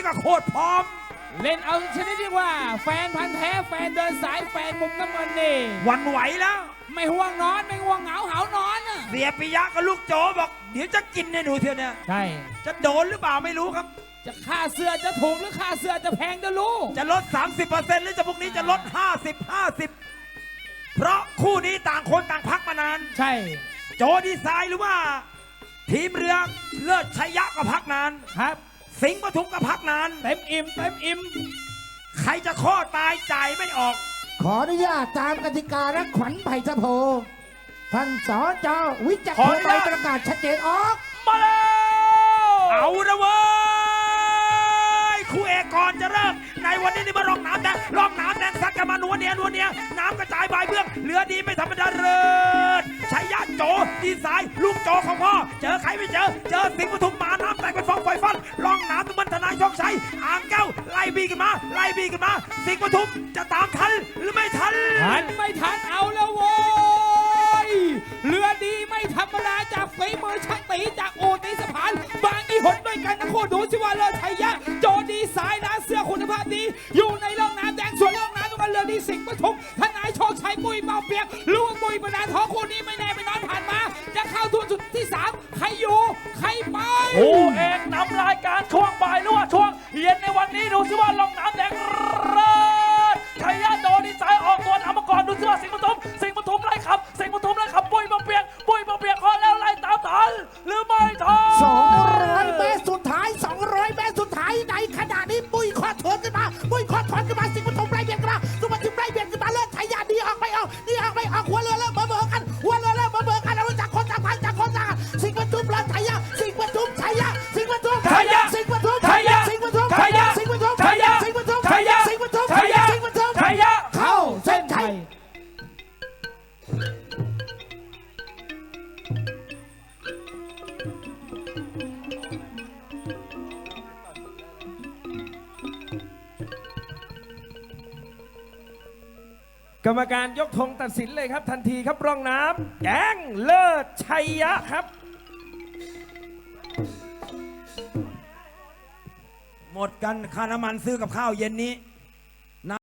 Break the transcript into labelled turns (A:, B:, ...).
A: ก็โคตรพร้อม
B: เล่นเอาชนิดที่ว่าแฟนพันธ์แท้แฟนเดินสายแฟนมุมน้ำเงินนี่
A: หวั่นไหวแล้ว
B: ไม่ห่วงนอนไม่ห่วงเหงาหานอน
A: เสียปิยะกับลูกโจบอกเดี๋ยวจะกินให้หนูเทียวเนี่ย
B: ใช่
A: จะโดนหรือเปล่าไม่รู้ครับ
B: จะค่าเสื้อจะถูกหรือค่าเสื้อจะแพงจะรู้
A: จะลด 30% หรือจะพวกนี้จะลด 50 เพราะคู่นี้ต่างคนต่างพักมานาน
B: ใช่
A: โจดีไซน์หรือว่าทีมเรือเลิศชัยยะก็พักนาน
B: ครับ
A: สิงห์ปทุมก็พักนาน
B: เต็มอิ่มเต็มอิ่ม
A: ใครจะข้อตายจ่ายไม่ออก
C: ขออนุญาตตามกติกาและขวัญไผ่สะโพท่านสจวิจักรโทใบประกาศชัดเจนออก
A: มาแล้วเอาละเว้ยคู่เอกก่อนจะเริ่มในวันนี้นี่มาลองน้ำแดงลองน้ำแดงซัดกันมาหนัวเนียน้ำกระจายบายเบื้องเหลือดีไม่ธรรมดาเลยชัยยะโจดีไซน์ลูกโจของพ่อเจอใครไม่เจอสิงห์ปทุมมาน้ำแตกเป็นฟองไฟฟันลองน้ำตุมันธนายโชคชัยอ่างแก้วไล่บีกันมาสิงห์ปทุมจะตามทันหรือไม่ทัน
B: ไม่ทันเอาแล้วโว้ยเรือดีไม่ธรรมดาจากฝีมือช่างตีจากโอตีสะพานบางอีหนด้วยกันนะโคดูสิว่าเลิศชัยยะโจดีสายนะเสื้อคุณภาพดีอยู่ในร่องน้ำแดงส่วนร่องน้ำตรงนั้นเรือดีสิงห์ปทุมทนายโชคชัยปุ้ยเมาเปียกลูกปุ้ยประดาท้องคู่นี้ไม่แน่ไม่นอนผ่านมาจะเข้าทุนสุดที่3ใครอยู่ใครไป
A: คู่เอกนำรายการช่วงบ่ายหรือว่าช่วงเย็นในวันนี้ดูสิว่าร่องน้ำแดงเลิศชัยยะโจดีไซน์ออกตัวนำมาก่อนดูสิว่าสิงห์ปทุมไล่ขับปุ้ยมาเปียกพอแล้วไล่ตามทันหรือไม่ทัน
C: 200 เมตรสุดท้ายในขณะนี้ปุ้ยคอถอนขึ้นมาสิงห์ปทุมไล่เบียดกันมาสุภาพไล่เบียดกันมาเลิศชัยยะดีออกไม่ออกหัวเรือเริ่มเบอกันเราจากคนจากพันจากคนจากสิงห์ปทุมเลิศชัยยะสิงห์ปทุมชัยยะเข้าเส้นชัย
D: กรรมการยกธงตัดสินเลยครับทันทีครับร่องน้ำแดงเลิศชัยยะครับ
A: หมดกันค่าน้ำมันซื้อกับข้าวเย็นนี้